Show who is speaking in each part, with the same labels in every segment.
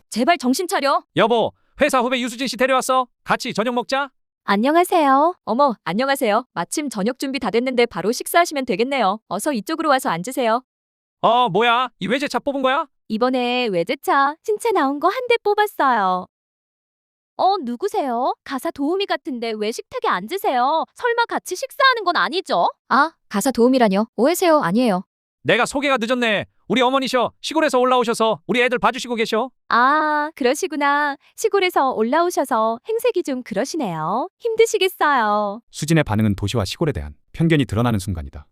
Speaker 1: 제발 정신 차려.
Speaker 2: 여보, 회사 후배 유수진 씨 데려왔어. 같이 저녁 먹자.
Speaker 1: 안녕하세요. 어머, 안녕하세요. 마침 저녁 준비 다 됐는데 바로 식사하시면 되겠네요. 어서 이쪽으로 와서 앉으세요.
Speaker 2: 뭐야? 이 외제차 뽑은 거야?
Speaker 1: 이번에 외제차 신체 나온 거 한 대 뽑았어요. 누구세요? 가사 도우미 같은데 왜 식탁에 앉으세요? 설마 같이 식사하는 건 아니죠? 아, 가사 도우미라뇨? 오해세요. 아니에요.
Speaker 2: 내가 소개가 늦었네. 우리 어머니셔. 시골에서 올라오셔서 우리 애들 봐주시고 계셔.
Speaker 1: 아, 그러시구나. 시골에서 올라오셔서 행색이 좀 그러시네요. 힘드시겠어요.
Speaker 3: 수진의 반응은 도시와 시골에 대한 편견이 드러나는 순간이다.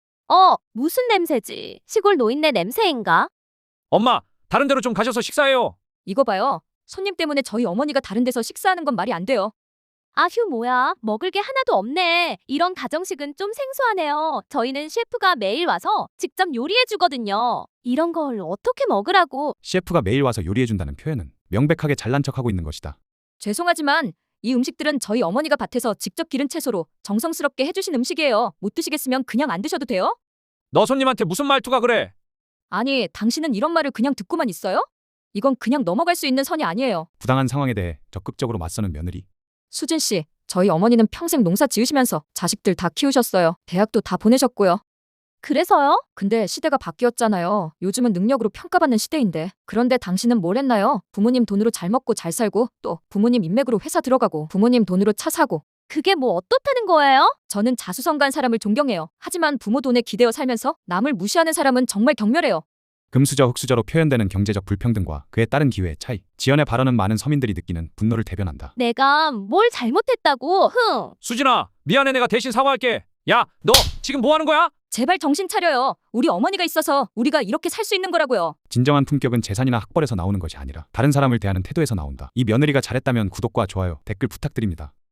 Speaker 1: 무슨 냄새지? 시골 노인네 냄새인가?
Speaker 2: 엄마, 다른 데로 좀 가셔서 식사해요.
Speaker 1: 이거 봐요. 손님 때문에 저희 어머니가 다른 데서 식사하는 건 말이 안 돼요. 아휴, 뭐야. 먹을 게 하나도 없네. 이런 가정식은 좀 생소하네요. 저희는 셰프가 매일 와서 직접 요리해 주거든요. 이런 걸 어떻게 먹으라고.
Speaker 3: 셰프가 매일 와서 요리해준다는 표현은 명백하게 잘난 척하고 있는 것이다.
Speaker 1: 죄송하지만 이 음식들은 저희 어머니가 밭에서 직접 기른 채소로 정성스럽게 해주신 음식이에요. 못 드시겠으면 그냥 안 드셔도 돼요?
Speaker 2: 너 손님한테 무슨 말투가 그래?
Speaker 1: 아니, 당신은 이런 말을 그냥 듣고만 있어요? 이건 그냥 넘어갈 수 있는 선이 아니에요.
Speaker 3: 부당한 상황에 대해 적극적으로 맞서는 며느리.
Speaker 1: 수진 씨, 저희 어머니는 평생 농사 지으시면서 자식들 다 키우셨어요. 대학도 다 보내셨고요. 그래서요? 근데 시대가 바뀌었잖아요. 요즘은 능력으로 평가받는 시대인데. 그런데 당신은 뭘 했나요? 부모님 돈으로 잘 먹고 잘 살고, 또 부모님 인맥으로 회사 들어가고, 부모님 돈으로 차 사고. 그게 뭐 어떻다는 거예요? 저는 자수성가한 사람을 존경해요. 하지만 부모 돈에 기대어 살면서 남을 무시하는 사람은 정말 경멸해요.
Speaker 3: 금수저 흑수저로 표현되는 경제적 불평등과 그에 따른 기회의 차이. 지연의 발언은 많은 서민들이 느끼는 분노를 대변한다.
Speaker 1: 내가 뭘 잘못했다고?
Speaker 2: 수진아, 미안해. 내가 대신 사과할게. 야, 너 지금 뭐 하는 거야?
Speaker 1: 제발 정신 차려요. 우리 어머니가 있어서 우리가 이렇게 살 수 있는 거라고요.
Speaker 3: 진정한 품격은 재산이나 학벌에서 나오는 것이 아니라 다른 사람을 대하는 태도에서 나온다. 이 며느리가 잘했다면 구독과 좋아요, 댓글 부탁드립니다.